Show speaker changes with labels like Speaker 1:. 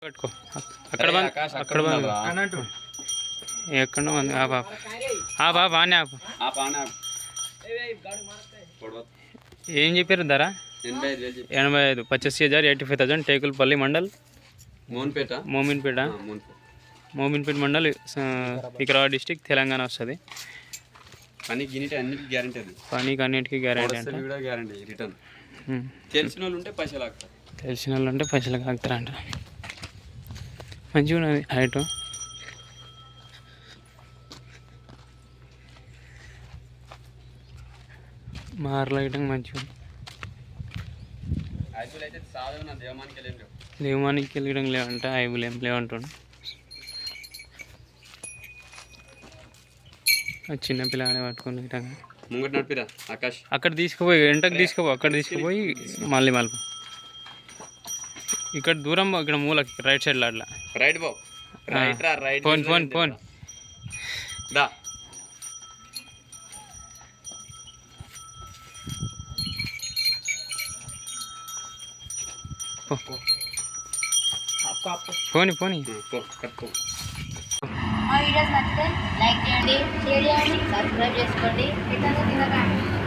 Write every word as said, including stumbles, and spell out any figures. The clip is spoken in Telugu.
Speaker 1: పెట్టుకో అక్కడ అక్కడ ఎక్కడ మంది ఆ బాబు ఆ బాబు ఆనే ఆపు ఏం చెప్పారు ధర ఎనభై ఐదు పచ్చస్ హజార్ eighty five thousand Tekulapalli mandal
Speaker 2: Mominpet
Speaker 1: Mominpet Mominpet mandal Vikarabad district Telangana వస్తుంది.
Speaker 2: పనికి అన్నిటికీ గ్యారంటీ అది
Speaker 1: పనికి అన్నిటికీ గ్యారంటీ అంటే
Speaker 2: కూడా గ్యారంటీ రిటర్న్ తెలిసిన వాళ్ళు ఉంటే పైసలు ఆగుతారు
Speaker 1: తెలిసిన వాళ్ళు ఉంటే పైసలు ఆగుతారంట. మంచిగా ఉన్నది హైట్ మార్లైటింగ్ మంచిగా దేవానికి వెళ్ళడం లేవంట ఐబులు ఏం లేవంటుండు. చిన్నపిల్లగానే పట్టుకుని
Speaker 2: ముంగట నడిపిరా ఆకాష్
Speaker 1: అక్కడ తీసుకుపోయి ఎంటకు తీసుకుపో అక్కడ తీసుకుపోయి మళ్ళీ మళ్ళీ ఇక్కడ దూరం ఇక్కడ మూలకి రైట్ సైడ్లో అట్లా
Speaker 2: రైట్ బాబు రైట్ రా రైట్
Speaker 1: ఫోన్ ఫోన్ ఫోన్
Speaker 2: దా
Speaker 1: పోనీ పోనీ
Speaker 3: మా వీడియోస్ నచ్చితే లైక్ చేయండి, షేర్ చేయండి, సబ్స్క్రైబ్ చేసుకోండి.